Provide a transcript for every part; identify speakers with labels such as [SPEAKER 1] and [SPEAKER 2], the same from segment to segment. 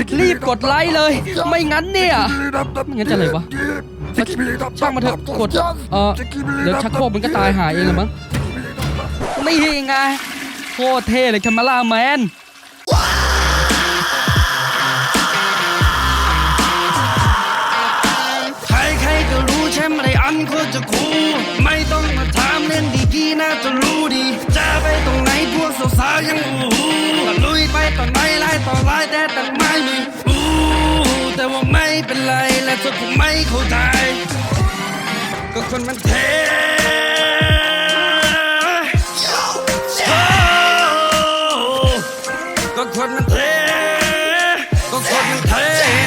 [SPEAKER 1] รีบกดไลค์เลยไม่งั้นเนี่ยไม่งั้นจะอะไรวะช่างมาเถอะกดเดี๋ยวชักโครกมันก็ตายหายเองละมั้งนี่ไงโคตรเท่เลยแคมเมล่าแมนใครก็รู้แชมป์ไรอันโคตรจะคูลไม่ต้องมาถามเรื่องดีๆน่าจะรู้ดีจะไปตรงไหนพวกสาวๆยังก็ลุยไปต่อไหนไล่ต่อไล่แต่ตั้งไม่มีแต่ว่าไม่เป็นไรและเธอคงไม่เข้าใจก็คนมันเท่ก็คนมันเท่ก็คนมันเท่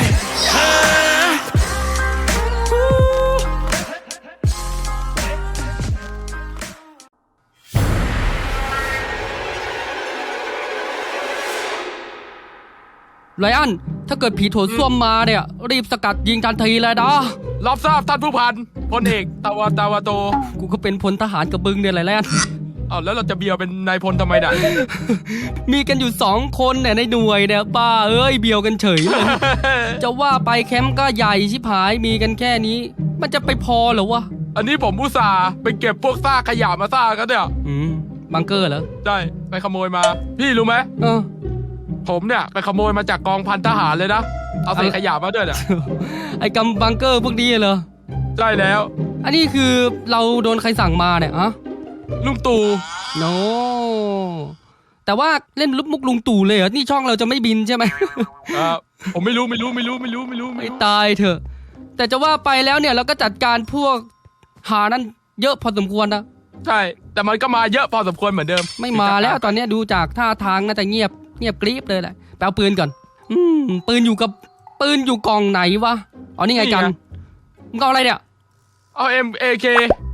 [SPEAKER 1] ไลอ้อนถ้าเกิดผีโถส้วมมาเนี่ยรีบสกัดยิงทันทีเลยนะ
[SPEAKER 2] รับทราบท่านผู้พันพลเอกตาวาโต
[SPEAKER 1] กูก็เป็นพลทหารกับบึงเนี่ยไลอ้อน
[SPEAKER 2] แล้วเราจะเบียวเป็นนายพลทำไมด่ะ
[SPEAKER 1] มีกันอยู่2 คนเนี่ยในหน่วยเนี่ยป้าเอ้ยเบียวกันเฉยเลย จะว่าไปแคมป์ก็ใหญ่ชิบหายมีกันแค่นี้มันจะไปพอเหรอวะ
[SPEAKER 2] อันนี้ผมอุตส่าห์ไปเก็บพวกซากขยะมาซากกันเนี่ย
[SPEAKER 1] บังเกอร์เหรอ
[SPEAKER 2] ได้ไปขโมยมาพี่รู้ไหมผมเนี่ยไปขโมยมาจากกองพันทหารเลยนะเอาใส่ขยะมาด้วยเนี่ย
[SPEAKER 1] ไอ้กำบังเกอร์พวกนี้เหรอ
[SPEAKER 2] ใช่แล้ว
[SPEAKER 1] อันนี้คือเราโดนใครสั่งมาเนี่ย
[SPEAKER 2] ลุงตู่
[SPEAKER 1] โนแต่ว่าเล่นมุกลุงตู่เลยเหรอนี่ช่องเราจะไม่บินใช่ไหม
[SPEAKER 2] ผมไม่รู้
[SPEAKER 1] ไม่ตายเถอะแต่จะว่าไปแล้วเนี่ยเราก็จัดการพวกหานั้นเยอะพอสมควรนะ
[SPEAKER 2] ใช่แต่มันก็มาเยอะพอสมควรเหมือนเดิม
[SPEAKER 1] ไม่มาแล้วตอนนี้ดูจากท่าทางน่าจะเงียบกริบเลยแหละไปเอาปืนก่อนปืนอยู่กล่องไหนวะอ๋อนี่ไงกันมึงเอาอะไรเนี่ย
[SPEAKER 2] เอา MAK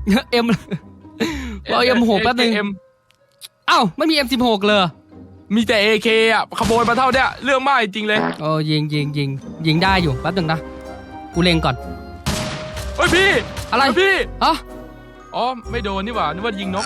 [SPEAKER 1] เอา M6 แป๊บนึงอ้าวไม่มี M16 เลย
[SPEAKER 2] มีแต่ AK ขโมยมาเท่าเนี้ยเรื่องมากจริงเลย
[SPEAKER 1] ยิงได้อยู่แป๊บนึงนะกูเล็งก่อน
[SPEAKER 2] เฮ้ยพี่
[SPEAKER 1] อะไร
[SPEAKER 2] พี่อ๋อไม่โดนนี่หว่านึกว่ายิงนก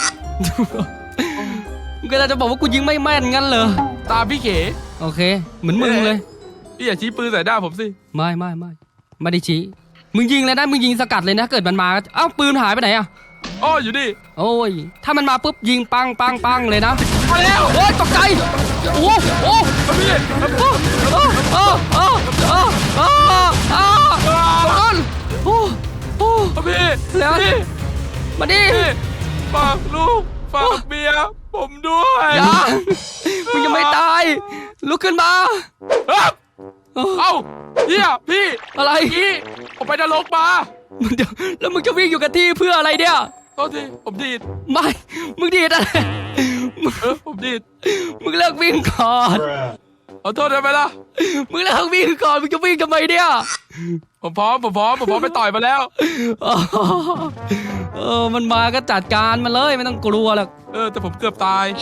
[SPEAKER 1] ก็จะบอกว่ากูยิงไม่แม่นงั้นเหรอ
[SPEAKER 2] ตาพี่เข
[SPEAKER 1] โอเคเหมือนมึงเลย
[SPEAKER 2] พี่อย่าชี้ปืนใส่หน้าผมสิ
[SPEAKER 1] ไม่ได้ชี้มึงยิงเลยนะมึงยิงสกัดเลยนะเกิดมันมาเอ้าปืนหายไปไหน
[SPEAKER 2] อยู่ดิ
[SPEAKER 1] โอ้ยถ้ามันมาปุ๊บยิงปังเลยนะ
[SPEAKER 2] มาแล้ว
[SPEAKER 1] โอ้ยตกใจโอ้
[SPEAKER 2] พี่พี่
[SPEAKER 1] แล้วมาดิ
[SPEAKER 2] ฝากลูกฝากเมียผมด้วย
[SPEAKER 1] มึงยังไม่ตายลุกขึ้นมา
[SPEAKER 2] เฮียพี่
[SPEAKER 1] อะไร
[SPEAKER 2] ผมไปนรกมา
[SPEAKER 1] เดี๋ยวแล้วมึงจะวิ่งอยู่กับที่เพื่ออะไรเนี่ย
[SPEAKER 2] โทษทีผมดีด
[SPEAKER 1] ไม่มึงดีดอะไร
[SPEAKER 2] ผมดีด
[SPEAKER 1] มึงเลิกวิ่งก่อน
[SPEAKER 2] ขอโทษได้ไหมล่ะ
[SPEAKER 1] มึงเลิกวิ่งก่อนมึงจะวิ่งทำไมเนี่ย
[SPEAKER 2] ผมพร้อมไปต่อยมาแล้ว
[SPEAKER 1] มันมาก็จัดการมันเลยไม่ต้องกลัวหรอก
[SPEAKER 2] แต่ผมเกือบตาย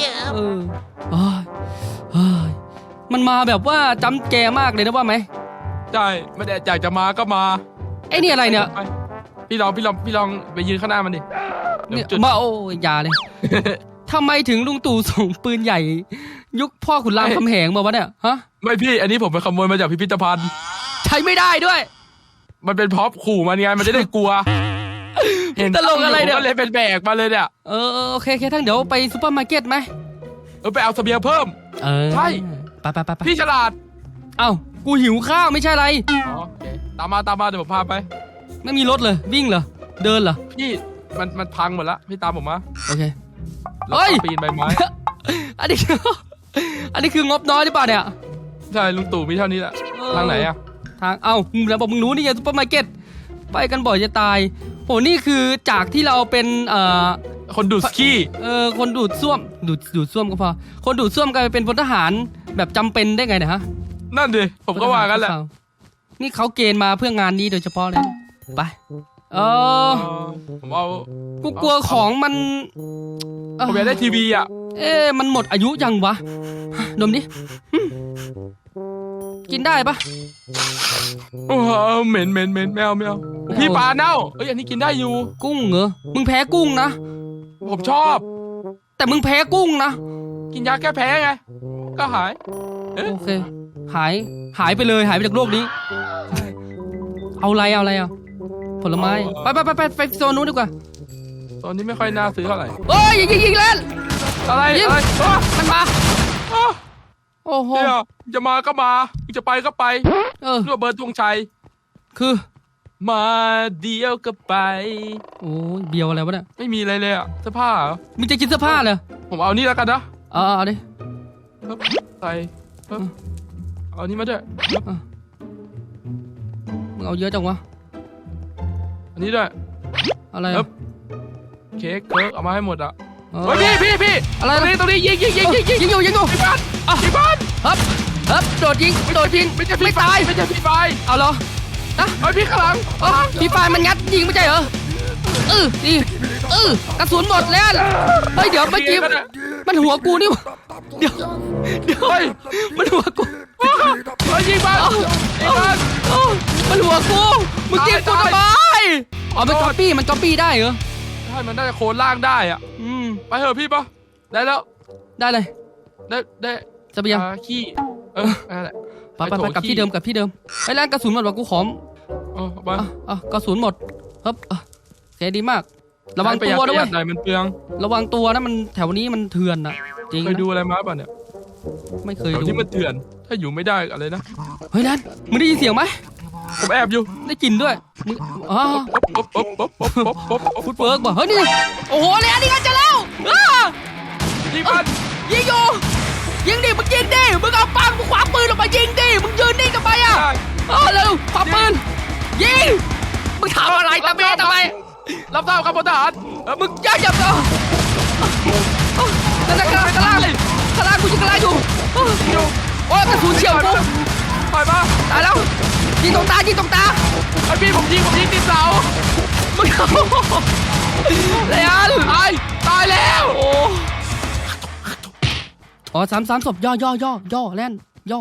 [SPEAKER 1] มันมาแบบว่าจำแกมากเลยนะว่าไหม
[SPEAKER 2] ใช่ไม่ได้อยากจะมาก็มา
[SPEAKER 1] ไอ้นี่อะไรเนี่ย
[SPEAKER 2] พี่ลองไปยืนข้างหน้ามันดิ
[SPEAKER 1] เนี่ยมาโอ้ยาเลยทำไมถึงลุงตู่ส่งปืนใหญ่ยุคพ่อขุนรามคำแหงมาวะเนี่ย
[SPEAKER 2] ไม่พี่อันนี้ผมไปขโมยมาจากพิพิธภัณฑ์
[SPEAKER 1] ใช้ไม่ได้ด้วย
[SPEAKER 2] มันเป็นพ็อปขู่มันไงมันจะได้กลัว
[SPEAKER 1] เห็นตลกอะไรเนี่ย
[SPEAKER 2] เลยเป็นแบกมาเลยเนี่ย
[SPEAKER 1] โอเคทั้งเดี๋ยวไปซูเปอร์มาร์เก็ตไหม
[SPEAKER 2] ไปเอาเสบียงเพิ่มใช่
[SPEAKER 1] ไป
[SPEAKER 2] พี่ฉลาด
[SPEAKER 1] กูหิวข้าวไม่ใช่อะไร
[SPEAKER 2] ตามมาเดี๋ยวผมพาไป
[SPEAKER 1] ไม่มีรถเลยวิ่งเหรอเดินเหรอ
[SPEAKER 2] พี่มันพังหมดแล้วพี่ตามผมมา
[SPEAKER 1] โอเค
[SPEAKER 2] ปีนใบไม้
[SPEAKER 1] อันนี้คืองบน้อยหรือเปล่าเนี่ย
[SPEAKER 2] ใช่ลุงตู่มีเท่านี้แหละทางไหน
[SPEAKER 1] ทางแล้วบอกมึงรู้นี่ไงซุปเปอร์มาร์เก็ตไปกันบ่อยจะตายโหนี่คือจากที่เราเป็น
[SPEAKER 2] คนดูดสกี้
[SPEAKER 1] คนดูดซ่วมดูดซ่วมก็พอคนดูดซ่วมกลายเป็นพลทหารแบบจำเป็นได้ไงเนี่ย
[SPEAKER 2] นั่นดิผมก็ว่ากันแหละ
[SPEAKER 1] นี่เขาเกณฑ์มาเพื่องานนี้โดยเฉพาะเลยไป
[SPEAKER 2] ผมเอา
[SPEAKER 1] กูกลัวของมัน
[SPEAKER 2] ผมอยากได้ทีวี
[SPEAKER 1] มันหมดอายุยังวะดมดิกินได้ปะ
[SPEAKER 2] เหม็นไม่เอาพี่ปลาเน่าอันนี้กินได้อยู่
[SPEAKER 1] กุ้งเหรอมึงแพ้กุ้งนะ
[SPEAKER 2] ผมชอบ
[SPEAKER 1] แต่มึงแพ้กุ้งนะ
[SPEAKER 2] กินยาแก้แพ้ไงก็หาย
[SPEAKER 1] โอเค
[SPEAKER 3] หายไปเลยหายไปจากโลกนี้ เอาอะไรอ่ะผลไม้ไปโซนนู้นดีกว่า
[SPEAKER 2] ตอนนี้ไม่ค่อยน่าซื้อเท่าไหร่
[SPEAKER 3] โอ้ยยิงเล่น
[SPEAKER 2] อะไร
[SPEAKER 3] ยิง
[SPEAKER 2] อะไรอ๋อ
[SPEAKER 3] มันมา
[SPEAKER 2] อ๋อ
[SPEAKER 3] โอ้โห
[SPEAKER 2] เดี๋ยวจะมาก็มาจะไปก็ไป
[SPEAKER 3] เ
[SPEAKER 2] รั่วเบิร์ดธงชัย
[SPEAKER 3] คือ
[SPEAKER 2] มาเดียวก็ไป
[SPEAKER 3] โอ้ยเบียวอะไรวะเนี่ย
[SPEAKER 2] ไม่มีอะไรเลยอะเสื้อผ้าเหรอ
[SPEAKER 3] มึงจะกินเสื้อผ้าเลย
[SPEAKER 2] ผมเอานี่แล้วกันนะ
[SPEAKER 3] เอาดิ
[SPEAKER 2] ปึ๊บใส่ปึ๊บเอานี่มาด้วยปึ๊บ
[SPEAKER 3] มึงเอาเยอะจังวะ
[SPEAKER 2] อันนี้ด้วย
[SPEAKER 3] อะไร
[SPEAKER 2] ปึ๊บ เค้กเคิร์กเอามาให้หมดอะ
[SPEAKER 3] เออ
[SPEAKER 2] เฮ้ยพี่
[SPEAKER 3] อะไร
[SPEAKER 2] ตรงนี้ยิง
[SPEAKER 3] ยิงอยู่
[SPEAKER 2] ที่บ้านที่บ้าน
[SPEAKER 3] ฮึบโดดยิงไม่ตาย
[SPEAKER 2] ไม่ใช่พี่ไฟ
[SPEAKER 3] เอาเหรอ
[SPEAKER 2] เฮ้ยพี่ข้างหลัง
[SPEAKER 3] พี่ไฟมันงัดยิงไม่ใช่เหรอนี่กระสุนหมดแล้วเฮ้ยเดี๋ยวเมื่อกี้มันหัวกูนี่เดี๋ยว
[SPEAKER 2] เฮ้ย
[SPEAKER 3] มันหัวกู
[SPEAKER 2] เฮ้ยยิงบ้านยิงบ้าน
[SPEAKER 3] มันหัวกูมึงยิงกูทำไมอ๋อมันก๊อปปี้ได้เหรอ
[SPEAKER 2] ใช่มันน่าจะโคนล่างได้อะไปเถอะพี่ปะได้แล้ว
[SPEAKER 3] ได้เลย
[SPEAKER 2] ได้
[SPEAKER 3] จะไปยัง
[SPEAKER 2] ขี้นั่นแหละ
[SPEAKER 3] ไปกลับที่เดิมไอ้แรงกระสุนหมดว่ะกูขอม
[SPEAKER 2] บ้าน
[SPEAKER 3] กระสุนหมดครับโอเคดีมาก ระวังตัวด้วย
[SPEAKER 2] หน่อยมันเปลือง
[SPEAKER 3] ระวังตัวนะมันแถวนี้มันเถื่อนนะจริง
[SPEAKER 2] เคยดูอะไรมาป่ะเนี่ย
[SPEAKER 3] ไม่เคย
[SPEAKER 2] แถว
[SPEAKER 3] ดู
[SPEAKER 2] ที่มันเถื่อน ถ้าอยู่ไม่ได้อะไรนะ
[SPEAKER 3] เฮ้ยแลนมึงได้ยินเสียงไหม
[SPEAKER 2] ผมแอบอยู่
[SPEAKER 3] ได้กลิ่นด้วยมึง
[SPEAKER 2] ป๊บ
[SPEAKER 3] ฟุตเวิร์กป่ะเฮ้ยนี่โอ้โหแลนนี่กันจะแล้ว
[SPEAKER 2] ยิงมัน
[SPEAKER 3] ยิงอยู่ยิงดิมึงยิงดิมึงเอาปังมึงคว้าปืนออกมายิงดิมึงยืนนิ่งทำไมอ่ะเร็วคว้าปืนยิงมึงถามอะไรทำไม
[SPEAKER 2] รับทราบครับพลทหาร
[SPEAKER 3] มึงอย่านั่นข้างล่างกูยิงข้างล่างอยู่โอ้ยกระสุนเฉียวกู
[SPEAKER 2] ปล่อยมา
[SPEAKER 3] ตายแล้วยิงตรงตา
[SPEAKER 2] ไอพี่ผมยิงติดเสา
[SPEAKER 3] มึงเอาเลยอัน
[SPEAKER 2] ตายแล้วโอ้
[SPEAKER 3] อ๋อสามศพย่อแล่นย่อ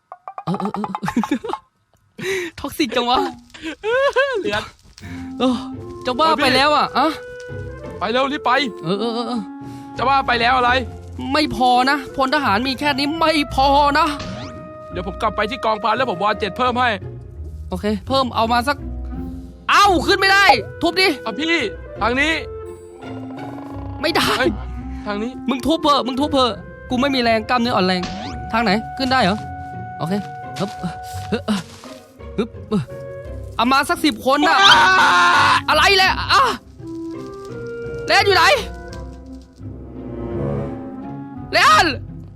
[SPEAKER 3] ท็อกซิกจังวะ
[SPEAKER 2] เหลือ
[SPEAKER 3] จะว่าไปแล้วอ่ะ
[SPEAKER 2] ไปเร็วรีบไป
[SPEAKER 3] เ
[SPEAKER 2] จะว่าไปแล้วอะไร
[SPEAKER 3] ไม่พอนะพลทหารมีแค่นี้ไม่พอนะ
[SPEAKER 2] เดี๋ยวผมกลับไปที่กองพันแล้วผมวอ7เพิ่มให้
[SPEAKER 3] โอเคเพิ่มเอามาสักเอ้าขึ้นไม่ได้ทุบดิ
[SPEAKER 2] พี่ทางนี้
[SPEAKER 3] ไม่ได้
[SPEAKER 2] ทางนี้
[SPEAKER 3] มึงทุบเถอะกูไม่มีแรงกล้ามเนื้ออ่อนแรงทางไหนขึ้นได้เหรอโอเคฮึบเอามาสัก10 คนน่ะอะไรแหละแลนอยู่ไหนแลน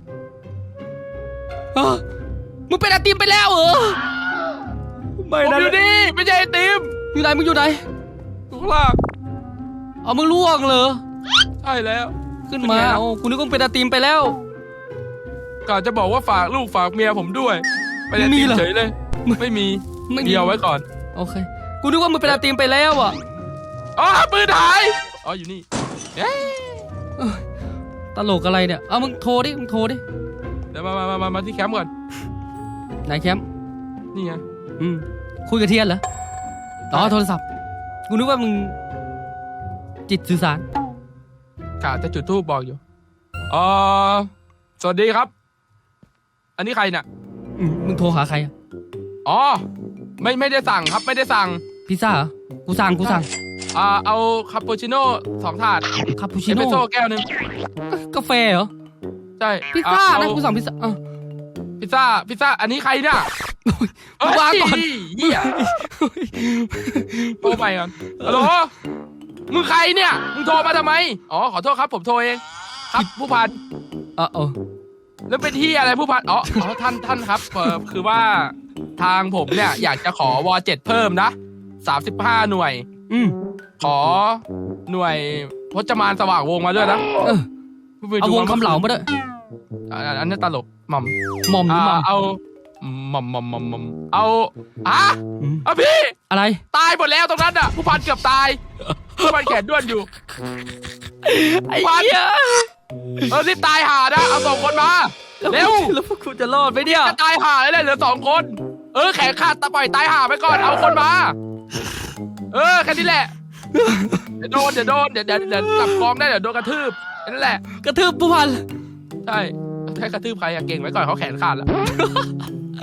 [SPEAKER 3] มึงเป็นไอติมไปแล้วเหรอ
[SPEAKER 2] ผมอยู่นี่ไม่ใช่ไอติม
[SPEAKER 3] มึงอยู่ไหน
[SPEAKER 2] อยู่ข้างล่าง
[SPEAKER 3] มึงล่วงเหรอ
[SPEAKER 2] ใช่แล้ว
[SPEAKER 3] ขึ้นมาโอ้กูนึกว่าเป็นไอติมไปแล้ว
[SPEAKER 2] กะจะบอกว่าฝากลูกฝากเมียผมด้วยไปไอติมเฉยเลยไม่มีเดียวไว้ก่อน
[SPEAKER 3] โอเคกูนึกว่ามึงเป็นไอติมไปแล้วอ่ะ
[SPEAKER 2] ปืนหายอยู่นี่
[SPEAKER 3] ตลกอะไรเนี่ยมึงโทรดิ
[SPEAKER 2] เดี๋ยวมาที่แคมป์ก่อน
[SPEAKER 3] ไหนแคมป์
[SPEAKER 2] นี่ไง
[SPEAKER 3] คุยกับเทียนเหรอโทรศัพท์กูนึกว่ามึงจิตสื่อสาร
[SPEAKER 2] กะจะจุดธูปบอกอยู่สวัสดีครับ อันนี้ใครน่ะ
[SPEAKER 3] มึงโทรหาใคร
[SPEAKER 2] ไม่ได้สั่งครับไม่ได้สั่ง
[SPEAKER 3] พิซซ่าเหรอกูสั่ง
[SPEAKER 2] เอาคาปูชิโน่2 ถาด
[SPEAKER 3] คาปูชิ
[SPEAKER 2] เอสเปร
[SPEAKER 3] โน่
[SPEAKER 2] สโซ่แก้วนึง
[SPEAKER 3] กาแฟเหรอ
[SPEAKER 2] ใช่
[SPEAKER 3] พิซซ่านะกูสั่งพิซซ่า
[SPEAKER 2] พิซซ่าอันนี้ใครเนี่ย
[SPEAKER 3] วางก่อน
[SPEAKER 2] เหี้ยโทรไปก่อนฮัลโหลมึงใครเนี่ยมึงโทรมาทำไมขอโทษครับผมโทรเองครับผู้พันแล้วเป็นที่อะไรผู้พันท่านครับคือว่าทางผมเนี่ยอยากจะขอว7เพิ่มนะ35 หน่วยขอหน่วยพจมานสว่างวงมาด้วยนะ
[SPEAKER 3] เอาวงคำเหลามาด้วย
[SPEAKER 2] อันนี้ตลกหม่อม เอาหม่อมเอาพี่
[SPEAKER 3] อะไร
[SPEAKER 2] ตายหมดแล้วตรงนั้นอ่ะผู้พันเกือบตายผู้พันแขนด้วนอยู่
[SPEAKER 3] ไอ้เหี้ย
[SPEAKER 2] รีบตายห่านะเอา2 คนมาเร็ว
[SPEAKER 3] แล้วพวกคุณจะรอดไหมเนี่ย
[SPEAKER 2] จะตายห่าเลยเหลือ2 คนแขนขาดปล่อยตายห่าไปก่อนเอาคนมาแค่นี้แหละเดี๋ยวโดนเดี๋ยวกลับกองได้เดี๋ยวโดนกระทืบนั่นแหละ
[SPEAKER 3] กระทืบผู้พัน
[SPEAKER 2] ใช่กระทืบใครเก่งไว้ก่อนเขาแขนขาดแล้ว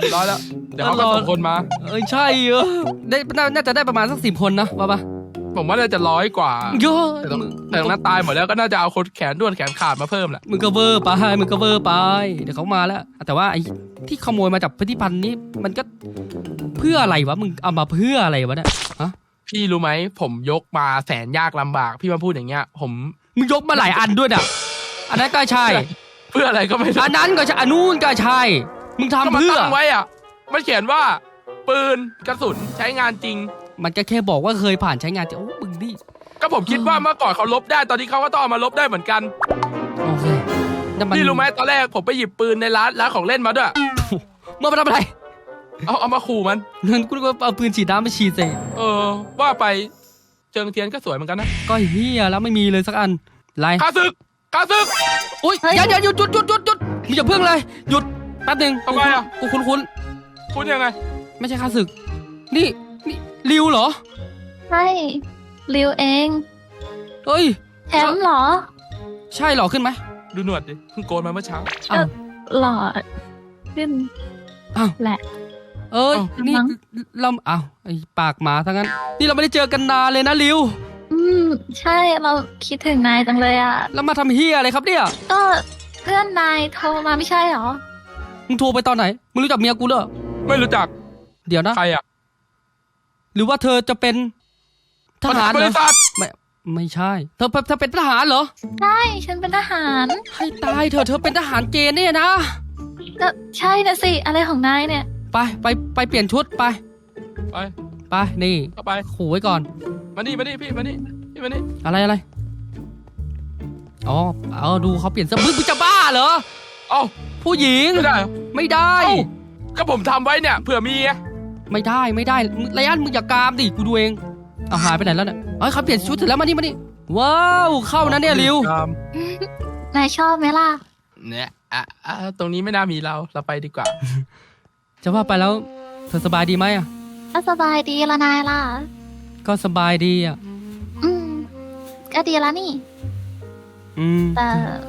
[SPEAKER 2] ร้อยแล้วเดี๋ยวเขาก็ส่งคนมา
[SPEAKER 3] ใช่ได้น่าจะได้ประมาณสัก10 คนนะว่าปะ
[SPEAKER 2] ผมว่าน่าจะ100 กว่า
[SPEAKER 3] เยอะ
[SPEAKER 2] แต่ตรงนั้นตายหมดแล้วก็น่าจะเอาคนแขนด้วนแขนขาดมาเพิ่มแหละ
[SPEAKER 3] มึงก็เวอร์ไปเดี๋ยวเขามาแล้วแต่ว่าไอ้ที่ขโมยมาจากพิพิธภัณฑ์นี้มันก็เพื่ออะไรวะมึงเอามาเพื่ออะไรวะเนี่ยฮะ
[SPEAKER 2] พี่รู้ไหมผมยกมาแสนยากลำบากพี่มาพูดอย่างเงี้ยผม
[SPEAKER 3] มึงยกมาหลายอันด้วยน่ะอันนั้นก็ใช่
[SPEAKER 2] เพื่ออะไรก็ไม่รู้
[SPEAKER 3] อันนั้นก็ใช่อันนู้นก็ใช่มึง
[SPEAKER 2] ก็
[SPEAKER 3] ทำ
[SPEAKER 2] มา
[SPEAKER 3] เพื่อ
[SPEAKER 2] ตั้งไว้อ่ะมันเขียนว่าปืนกระสุนใช้งานจริง
[SPEAKER 3] มันก็แค่บอกว่าเคยผ่านใช้งานแต่โอ้มึงนี่
[SPEAKER 2] ก็ผมคิดว่าเมื่อก่อนเขาลบได้ตอนนี้เขาก็ต้องเอามาลบได้เหมือนกัน
[SPEAKER 3] โอเคแต่มัน
[SPEAKER 2] พี่รู้ไหมตอนแรกผมไปหยิบปืนในร้านของเล่นมาด้วย
[SPEAKER 3] เมื่อมาทำอะไร
[SPEAKER 2] เอามาขู่มัน
[SPEAKER 3] เงินกูก็เอาปืนฉีดน้ำมาฉีดใส่
[SPEAKER 2] ว่าไปเจิงเทียนก็สวยเหมือนกันนะ
[SPEAKER 3] ก็เฮียแล้วไม่มีเลยสักอันไร
[SPEAKER 2] ข้าศึก
[SPEAKER 3] อุ้ยอย่าหยุดมึงอย่าเพิ่งเลยหยุดแป๊บนึง
[SPEAKER 2] ทำไมอ่ะ
[SPEAKER 3] กูคุ้น
[SPEAKER 2] คุณยังไง
[SPEAKER 3] ไม่ใช่ข้าศึกนี่ริวเหรอ
[SPEAKER 4] ใช่ริวเอง
[SPEAKER 3] เฮ้ย
[SPEAKER 4] แชมป์เหรอ
[SPEAKER 3] ใช่เหรอขึ้นไหม
[SPEAKER 2] ดูหนวดดิเพิ่งโกนมาเมื่อเช้า
[SPEAKER 3] อ้าว
[SPEAKER 4] หล่อขึ้น
[SPEAKER 3] อ้าว
[SPEAKER 4] แหละ
[SPEAKER 3] เอ้ย
[SPEAKER 4] อ้าว
[SPEAKER 3] นี่
[SPEAKER 4] มั้ง
[SPEAKER 3] เราอ้าวไอ้ปากหมาทั้งนั้นนี่เราไม่ได้เจอกันนานเลยนะริว
[SPEAKER 4] ใช่เราคิดถึงนายจังเลยอ่ะ
[SPEAKER 3] แล้วมาทำเฮียอะไรครับเนี่ย
[SPEAKER 4] ก็เพื่อนนายโทรมาไม่ใช่เหรอ
[SPEAKER 3] มึงโทรไปตอนไหนมึงรู้จักเมียกูเหรอ
[SPEAKER 2] ไม่รู้จัก
[SPEAKER 3] เดี๋ยวนะ
[SPEAKER 2] ใครอ่ะ
[SPEAKER 3] หรือว่าเธอจะเป็นทหาร
[SPEAKER 2] บ
[SPEAKER 3] เหร
[SPEAKER 2] ริ
[SPEAKER 3] อ
[SPEAKER 2] ษัท
[SPEAKER 3] ไม่ใช่เธอเป็นทหารเหรอ
[SPEAKER 4] ใช่ฉันเป็นทหาร
[SPEAKER 3] ให้ตายเธอเป็นทหารเกณฑ์เนี่ยนะ
[SPEAKER 4] ก็ใช่นะสิอะไรของนายเนี่ย
[SPEAKER 3] ไปเปลี่ยนชุดไป
[SPEAKER 2] ไป
[SPEAKER 3] นี่
[SPEAKER 2] เข้าไป
[SPEAKER 3] ขู่ไว้ก่อน
[SPEAKER 2] มานี่พี่มานี่พี่มานี่
[SPEAKER 3] อะไรอ๋อเอาดูเขาเปลี่ยนเสื้อมึงจะบ้าเหรอ
[SPEAKER 2] เอ้า
[SPEAKER 3] ผู้หญิง
[SPEAKER 2] ไม่ได้เหรอ
[SPEAKER 3] ไม่ได้
[SPEAKER 2] เอ้าก็ผมทำไว้เนี่ยเผื่อมีไง
[SPEAKER 3] ไม่ได้ไรอันมึงอย่ากามดิกูดูเองเอาหายไปไหนแล้วเนี่ยเอ้ยเขาเปลี่ยนชุดเสร็จแล้วมานี่ว้าวเข้านะเนี่ยริว
[SPEAKER 4] นายชอบไหมล่ะ
[SPEAKER 2] เนี่ยตรงนี้ไม่น่ามีเราไปดีกว่า
[SPEAKER 3] จะว่าไปแล้วเธอสบายดีไหมอ่ะ
[SPEAKER 4] ก็สบายดีละนายล่ะ
[SPEAKER 3] ก็สบายดีอ่ะ
[SPEAKER 4] ก็ดีละนี่
[SPEAKER 3] อืม
[SPEAKER 4] แต่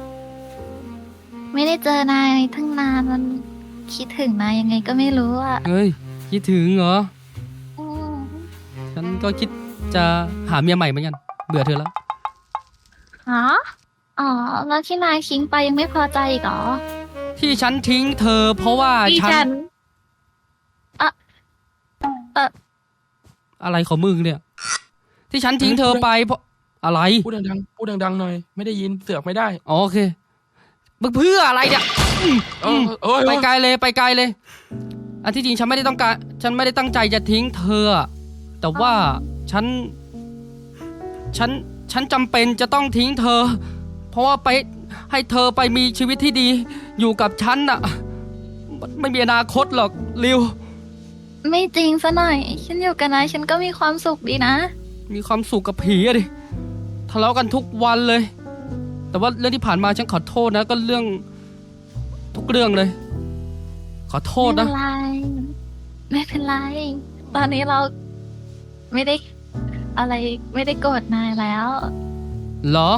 [SPEAKER 4] ไม่ได้เจอนายทั้งนานมันคิดถึงนายยังไงก็ไม่รู้อ่ะ
[SPEAKER 3] เฮ้ยคิดถึงเหรอ
[SPEAKER 4] อืม
[SPEAKER 3] ฉันก็คิดจะหาเมียใหม่เหมือนกันเบื่อเธอแล้ว
[SPEAKER 4] ฮะอ๋อแล้วที่นายทิ้งไปยังไม่พอใจอีกเหรอ
[SPEAKER 3] ที่ฉันทิ้งเธอเพราะว่า
[SPEAKER 4] ที่
[SPEAKER 3] ฉั
[SPEAKER 4] ฉั
[SPEAKER 3] น
[SPEAKER 4] น
[SPEAKER 3] อะไรของมึงเนี่ย ที่ฉันทิ้งเธอไปเพราะอะไร
[SPEAKER 2] พูดดังๆหน่อยไม่ได้ยินเสือกไม่ได้
[SPEAKER 3] อ๋อโอเคมึงเพื่ออะไรเนี่ย ไปไกลเลยอันที่จริงฉันไม่ได้ตั้งใจจะทิ้งเธออะแต่ว่าฉันจำเป็นจะต้องทิ้งเธอ เพราะว่าไปให้เธอไปมีชีวิตที่ดี อยู่กับฉันน่ะไม่มีอนาคตหรอกริว
[SPEAKER 4] ไม่จริงซะหน่อย ฉันอยู่กับนายฉันก็มีความสุขดีนะ
[SPEAKER 3] มีความสุขกับผีอะดิทะเลาะกันทุกวันเลย แต่ว่าเรื่องที่ผ่านมาฉันขอโทษนะก็เรื่องทุกเรื่องเลย ขอโทษนะ
[SPEAKER 4] ไม่เป็นไร ตอนนี้เราไม่ได้อะไรไม่ได้โกรธนายแล้ว
[SPEAKER 3] เหรอ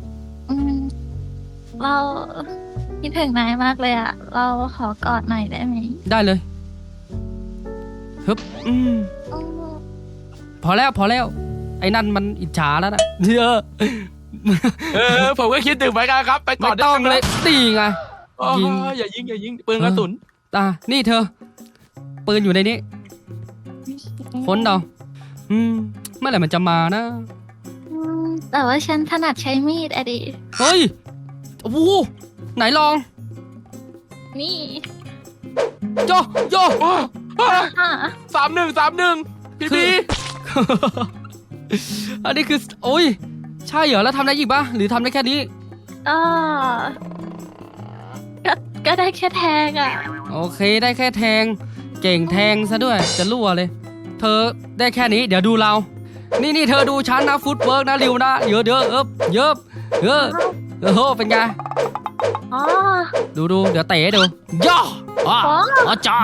[SPEAKER 4] เราคิดถึงนายมากเลยอะเราขอกอดหน่อยได้ไหม
[SPEAKER 3] ได้เลยฮึบพอแล้วไอ้นั่นมันอิจฉาแล้วนะ
[SPEAKER 2] ผมก็คิดถึงเหมือนกันครับ ไปก่
[SPEAKER 3] ไม่
[SPEAKER 2] อน
[SPEAKER 3] ต้องเลยตีไง ยิง
[SPEAKER 2] อย่ายิงปืนกระสุน
[SPEAKER 3] นี่เธอปืนอยู่ในนี้ค้นเอาเมื่อไหร่มันจะมานะ
[SPEAKER 4] แต่ว่าฉันถนัดใช้มีดอะดิ
[SPEAKER 3] เฮ้ยโอ้โหไหนลอง
[SPEAKER 4] นี่
[SPEAKER 3] โย
[SPEAKER 2] 31พี่
[SPEAKER 3] อันนี้คือโอ้ยใช่เหรอแล้วทำได้อีกปะหรือทำได้แค่นี้
[SPEAKER 4] ก็ได้แค่แทงอะ
[SPEAKER 3] โอเคได้แค่แทงเก่งแทงซะด้วยจะรั่วเลย เธอได้แค่นี้เดี๋ยวดูเรานี่เธอดูฉันนะฟุตเวิร์กนะริวนะเยอะเป็นไง
[SPEAKER 4] อ๋อ
[SPEAKER 3] ดูเดี๋ยวเตะให้ดูย่ออาจ้า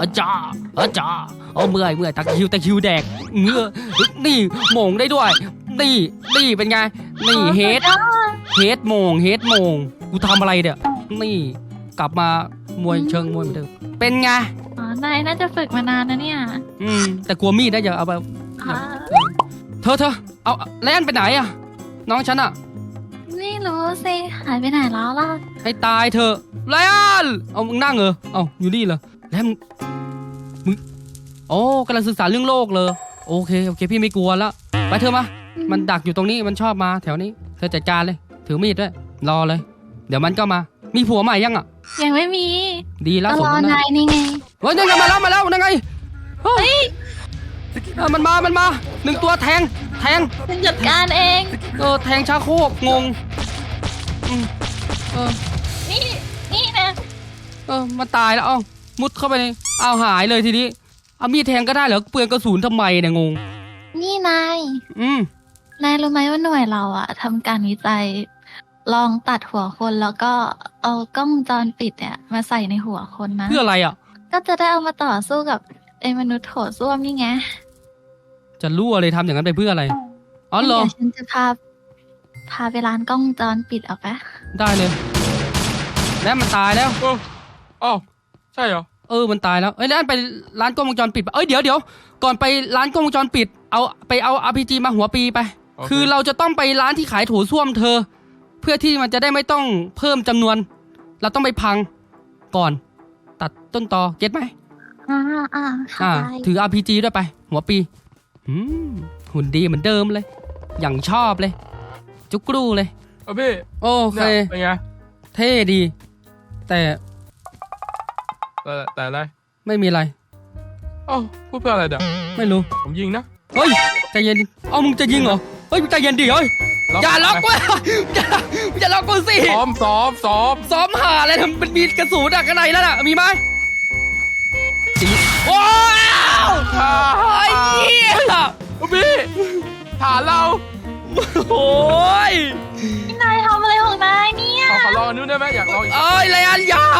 [SPEAKER 3] เมื่อยตะคิวแดกนี่โหม่งได้ด้วยนี่เป็นไงนี่เฮดโหม่งกูทำอะไรเนี่ยนี่กลับมามวยเชิงมวยเหมือนเดิมเป็นไง
[SPEAKER 4] อ๋อนายน่าจะฝึกมานานนะเนี่ย
[SPEAKER 3] แต่กลัวมีดนะอย่าเอาไป
[SPEAKER 4] อ๋อ
[SPEAKER 3] เธอเอาแลนไปไหนอะน้องฉันอะ
[SPEAKER 4] ไม่รู้สิหายไปไหนแล้วล่ะ
[SPEAKER 3] ให้ตายเธอะแลนเอามึงนั่งเหรอเอาอยู่นี่เหรอแล้วมึงโอ้กำลังศึกษาเรื่องโลกเลยโอเคพี่ไม่กลัวแล้วไปเธอมามันดักอยู่ตรงนี้มันชอบมาแถวนี้เธอจัดการเลยถือมีดด้วยรอเลย เดี๋ยวมันก็มามีผัวใหม่ยังอะ
[SPEAKER 4] ยังไม่มี
[SPEAKER 3] ดีแล้ว
[SPEAKER 4] ก็
[SPEAKER 3] ส
[SPEAKER 4] ร
[SPEAKER 3] ม
[SPEAKER 4] อ
[SPEAKER 3] นะ
[SPEAKER 4] นายนี่ไง
[SPEAKER 3] เฮ้ยนั่นไงมาแล้วนั่นไงเฮ้ยมันมาหนึ่งตัวแทง
[SPEAKER 4] ฉันจัดการเอง
[SPEAKER 3] แทงชาโคกงงเออ
[SPEAKER 4] นี่นะ
[SPEAKER 3] มันตายแล้วเอ้ามุดเข้าไปในเอาหายเลยทีนี้เอามีดแทงก็ได้เหรอเปลืองกระสุนทำไมเนี่ยงง
[SPEAKER 4] นี่นาย
[SPEAKER 3] อืม
[SPEAKER 4] นายรู้ไหมว่าหน่วยเราอะทำการวิจัย ลองตัดหัวคนแล้วก็เอากล้องวงจรปิดเนี่ยมาใส่ในหัวคนนะ
[SPEAKER 3] เพื่ออะไรอ่ะ
[SPEAKER 4] ก็จะได้เอามาต่อสู้กับไอ้มนุษย์โถส้วมนี่ไง
[SPEAKER 3] จะรู้อะไรทำอย่างนั้นไปเพื่ออะไรอ๋อเหรอ
[SPEAKER 4] เดี๋ยวฉันจะพาไปร้านกล้องวงจรปิดเอาปะ
[SPEAKER 3] ได้เลย แล้วมันตายแล้ว
[SPEAKER 2] อ๋อใช่เหรอ
[SPEAKER 3] มันตายแล้วแล้วไปร้านกล้องวงจรปิดปะเดี๋ยวก่อนไปร้านกล้องวงจรปิดเอา RPG มาหัวปีไป
[SPEAKER 2] โอเค
[SPEAKER 3] คือเราจะต้องไปร้านที่ขายโถส้วมเธอ เพื่อที่มันจะได้ไม่ต้องเพิ่มจำนวน เราต้องไปพังก่อน ตัดต้นตอเก็ตไหม
[SPEAKER 4] เข้าใจ
[SPEAKER 3] ถือ RPG ด้วยไป หัวปีหุ่นดีเหมือนเดิมเลย อย่างชอบเลย จุกรูเลย
[SPEAKER 2] พี่
[SPEAKER 3] โอเค
[SPEAKER 2] เนี่ยเป็นไง
[SPEAKER 3] เท่ดี แต่
[SPEAKER 2] แต่อะไร
[SPEAKER 3] ไม่มีอะไร
[SPEAKER 2] อ๋อพูดเพื่ออะไรเดี๋ยว
[SPEAKER 3] ไม่รู้
[SPEAKER 2] ผมยิงนะ
[SPEAKER 3] เฮ้ยใจเย็นมึงจะยิงเหรอเฮ้ยใจเย็นดิเฮ้ยอย่าล็อกกูอย่าล็อกกูสิ
[SPEAKER 2] ซ้อม
[SPEAKER 3] หาอะไรทำมันมีกระสุนข้างในแล้วน่ะมีไหมว้าวไอ้เหี้ย
[SPEAKER 2] พี่ฐานเรา
[SPEAKER 3] โอ้ย
[SPEAKER 4] นายทำอะไรของนายเนี่ย
[SPEAKER 2] ขอลองอันนู้นได้ไหมอยากลองอีก
[SPEAKER 3] เอ้ยไรอันยา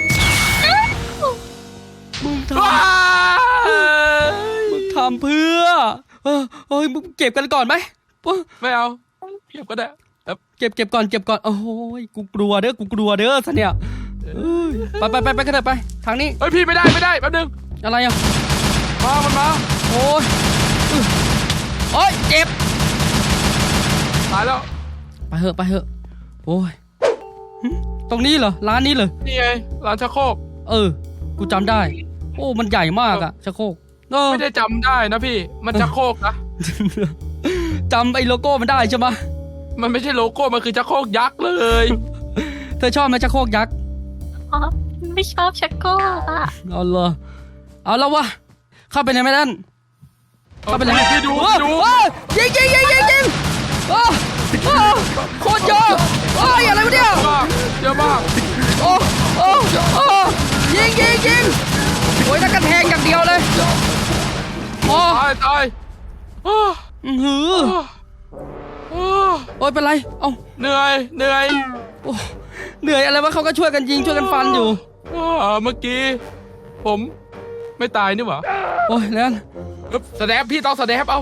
[SPEAKER 3] มึงทำเพื่อมึงเก็บกันก่อนไหม
[SPEAKER 2] ไม่เอาเก็บก็ได้
[SPEAKER 3] เก็บก่อนโอ้ยกูกลัวเด้อซะเนี่ยไปกันเถอะไปทางนี้
[SPEAKER 2] เฮ้ยพี่ไม่ได้แป๊บนึง
[SPEAKER 3] อะไรอ่ะ
[SPEAKER 2] มันมา
[SPEAKER 3] โอ้ยเจ็บ
[SPEAKER 2] ตายแล้ว
[SPEAKER 3] ไปเหอะโอ้ยตรงนี้เหรอร้านนี้เหรอ
[SPEAKER 2] นี่ไงร้านชักโครก
[SPEAKER 3] กูจำได้โอ้มันใหญ่มากอะชักโครก
[SPEAKER 2] ไม่ได้จำได้นะพี่มันชักโครกนะ
[SPEAKER 3] จำไอ้โลโก้มันได้ใช่ไหม
[SPEAKER 2] มันไม่ใช่โลโก้มันคือชักโครกยักษ์เลย
[SPEAKER 3] เธอชอบไหมชักโครกยักษ์
[SPEAKER 4] อ๋อไม่ชอบชักโครกอะ
[SPEAKER 3] เอาเลยเอาแล้ววะเข้าไปในแม่นั่นเข้าไปเลย
[SPEAKER 2] พี่ดู
[SPEAKER 3] ยิงโคตรเยอะอะไรวะเนี่ย
[SPEAKER 2] เยอะมาก
[SPEAKER 3] ยิงโอ้ยนักกระแทงอย่างเดียวเลย
[SPEAKER 2] ตาย
[SPEAKER 3] โอ้ยเป็นไร
[SPEAKER 2] เหนื่อย
[SPEAKER 3] เหนื่อยอะไรวะเขาก็ช่วยกันยิงช่วยกันฟันอยู่
[SPEAKER 2] เมื่อกี้ผมไม่ตายนี่หว่า
[SPEAKER 3] โอ้ยแล้ว
[SPEAKER 2] สแนปพี่ต้องสแนปเอา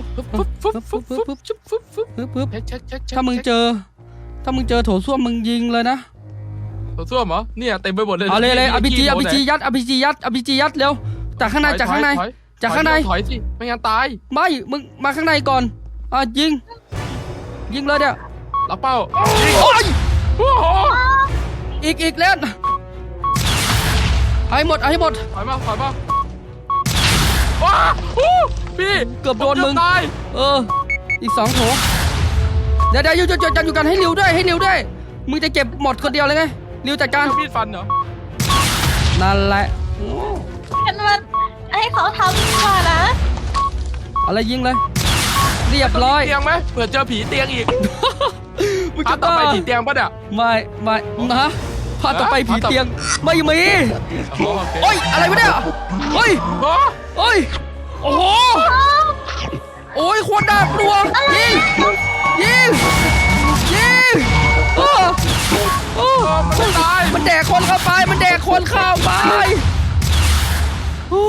[SPEAKER 3] ถ้ามึงเจอโถส้วมมึงยิงเลยนะ
[SPEAKER 2] โถส้วมเหรอเนี่ยเต็มไปหมดเลย
[SPEAKER 3] เอาเลยอภิจียัดเร็วจากข้างในจากข้างใน
[SPEAKER 2] ถอยสิไม่งั้นตาย
[SPEAKER 3] ไม่มึงมาข้างในก่อนยิงเลยเนี่ย
[SPEAKER 2] ล็อกเป้า
[SPEAKER 3] โอ้ยอีกเล่นให้หมด
[SPEAKER 2] ถอยมาว้าพี่
[SPEAKER 3] เกือบโดนมึง
[SPEAKER 2] ตาย
[SPEAKER 3] อีก2โถเดี๋ยวหยุดกันให้เร็วด้วยมึงจะเก็บหมดคนเดียวเลยไงเร็วจัดการ
[SPEAKER 2] มีดฟันเหรอ
[SPEAKER 3] นั่นแหละ
[SPEAKER 4] ฉันว่าให้เขาทำดีกว่านะ
[SPEAKER 3] อะไรยิงเลยเรียบร้อย
[SPEAKER 2] เตียงไหมเผื่อเจอผีเตียงอีก
[SPEAKER 3] มึง
[SPEAKER 2] พา
[SPEAKER 3] จะ
[SPEAKER 2] ต่อ
[SPEAKER 3] บ้า
[SPEAKER 2] ไปผีเตียงปะเนี่ย
[SPEAKER 3] ไม่นะพาต่อไปผีเตียงไม่มี
[SPEAKER 2] โอเค
[SPEAKER 3] โอ้ยอะไรวะเนี่ยโอ้ยโอ้โหโอ้ยโคตรน่ากลัวยิง
[SPEAKER 2] มันไม่ตาย
[SPEAKER 3] มันแดกคนเข้าไปโอ้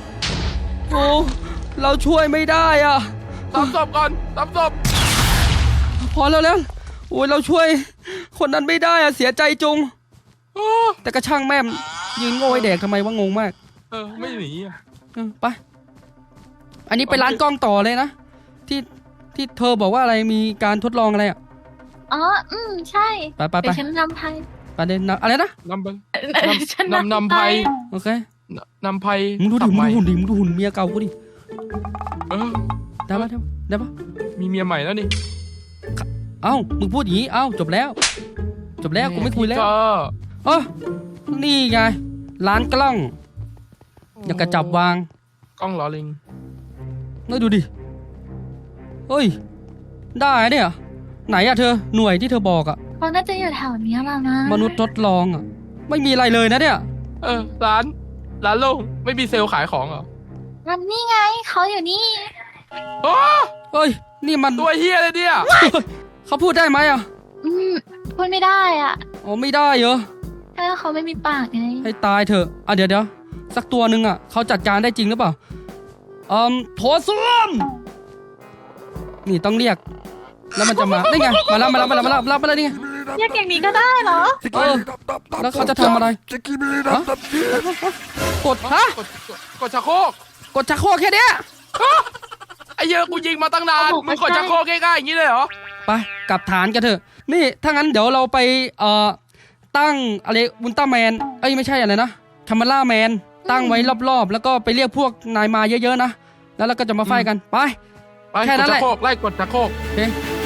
[SPEAKER 3] เราช่วยไม่ได้อ่ะ
[SPEAKER 2] ตามศพก่อนตามศพ
[SPEAKER 3] พอแล้วโอ้ยเราช่วยคนนั้นไม่ได้อ่ะเสียใจจุงแต่กระช่างแม่มยืนโง่ไอ้แดกทำไมวะงงมาก
[SPEAKER 2] ไม่หนีอะ
[SPEAKER 3] ไป อันนี้ไปร้านกล้องต่อเลยนะที่เธอบอกว่าอะไรมีการทดลองอะไรอ่ะ
[SPEAKER 4] อ๋อใช่
[SPEAKER 3] ไป
[SPEAKER 4] เดี๋ยวฉันนำไพ่
[SPEAKER 3] ประเด็นนะอะไรนะ
[SPEAKER 2] นำไป
[SPEAKER 4] ฉัน
[SPEAKER 2] นำไพ่
[SPEAKER 3] โอเค
[SPEAKER 2] นำไพ่
[SPEAKER 3] มึงดูดิ
[SPEAKER 2] ขับ
[SPEAKER 3] มึง
[SPEAKER 2] ใหม่
[SPEAKER 3] ดูหุ่นดิมึงดูหุ่นเมียเก่ากูดิ
[SPEAKER 2] เออ
[SPEAKER 3] ได้ปะได้ปะ
[SPEAKER 2] มีเมียใหม่แล้วนี่
[SPEAKER 3] เอ้ามึงพูดอย่างนี้เอ้าจบแล้วกูไม่คุยแล้ว
[SPEAKER 2] ก็
[SPEAKER 3] เออนี่ไงร้านกล้องอยากกระจับวาง
[SPEAKER 2] กล้องล้อลิง
[SPEAKER 3] นี่ดูดิเฮ้ยได้อะเนี่ยไหนอะเธอหน่วยที่เธอบอกอะ
[SPEAKER 4] เขาน่าจะอยู่แถวเนี้ยละมั้ง
[SPEAKER 3] มนุษย์ทดลองอะไม่มีอะไรเลยนะเนี่ย
[SPEAKER 2] ร้านโล่งไม่มีเซลล์ขายของเหรอ
[SPEAKER 4] มันนี่ไงเขาอยู่นี่
[SPEAKER 2] โอ้
[SPEAKER 3] เฮ้ยนี่มัน
[SPEAKER 2] ตัวเฮียเลยเนี่ย
[SPEAKER 3] เขาพูดได้ไหมอะ
[SPEAKER 4] พูดไม่ได้อ่ะ
[SPEAKER 3] อ๋อไม่ได้เหรอ
[SPEAKER 4] ถ้าเขาไม่มีปากไง
[SPEAKER 3] ให้ตายเถอะอ่ะเดี๋ยวสักตัวหนึ่งอะเขาจัดการได้จริงหรือเปล่าโถส้วมนี่ต้องเรียก แล้วมันจะมานี่ไงมาแล้วนี่ไง
[SPEAKER 4] เรียกอย่างนี้ก็ได้เหรอ
[SPEAKER 3] เออแล้วเขาจะทำอะไรฮะกดฮะ
[SPEAKER 2] กดชักโครก
[SPEAKER 3] กดชักโครกแค่เนี้ย
[SPEAKER 2] ไอ้เหี้ยกูยิงมาตั้งนาน
[SPEAKER 4] โอ้โห
[SPEAKER 2] มึงกดชักโครกง่ายๆอย่างนี้เลยเหรอ
[SPEAKER 3] ไปกลับฐานกันเถอะ นี่ถ้างั้นเดี๋ยวเราไปตั้งอะไรอุลตร้าแมนเอ้ยไม่ใช่อะไรนะคามาล่าแมนตั้งไว้รอบๆ แล้วก็ไปเรียกพวกนายมาเยอะๆนะแล้วเราก็จะมาไฟกันไป
[SPEAKER 2] ไป
[SPEAKER 3] แค่
[SPEAKER 2] ก
[SPEAKER 3] นั้
[SPEAKER 2] ด
[SPEAKER 3] นแห
[SPEAKER 2] ชั
[SPEAKER 3] ละ
[SPEAKER 2] กโครกไล่กดชักโครก
[SPEAKER 3] โอเค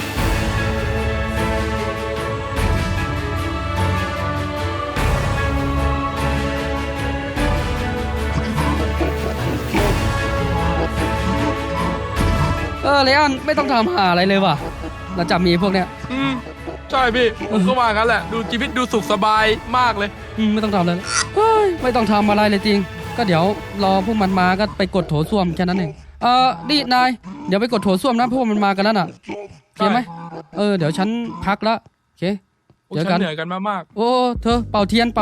[SPEAKER 3] เลอันไม่ต้องทำหาอะไรเลยว่ะเราจับมีพวกเนี้ย
[SPEAKER 2] ใช่พี่ผมก็ว่างั้นแหละดูชีวิตดูสุขสบายมากเลย
[SPEAKER 3] ไม่ต้องทำอะไรแล้วเฮ้ยไม่ต้องทำอะไรเลยจริง ก็เดี๋ยวรอพวกมันมาก็ไปกดโถส้วมแค่นั้นเองนี่นายเดี๋ยวไปกดโถส้วมนะพวกมันมากันแล้วน่ะโอเคไหมเดี๋ยวฉันพักละโอเค
[SPEAKER 2] พวก
[SPEAKER 3] เดี๋ยว
[SPEAKER 2] ฉั
[SPEAKER 3] กัน
[SPEAKER 2] นเหนื่อยกันมาก
[SPEAKER 3] โอ้เธอเป่าเทียน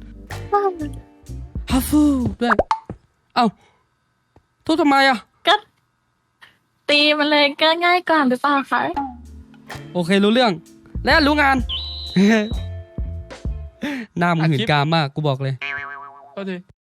[SPEAKER 3] ฮัฟฟูด้วยเอ้าทุบทำไมอ่ะ
[SPEAKER 4] ก็ตีมันเลยก็ง่ายกว่าหรือเปล่าคะ
[SPEAKER 3] โอเครู้เรื่อง แล้วรู้งาน หน้ามึงหื่นกามมากกูบอกเลย
[SPEAKER 2] ๆก็ดี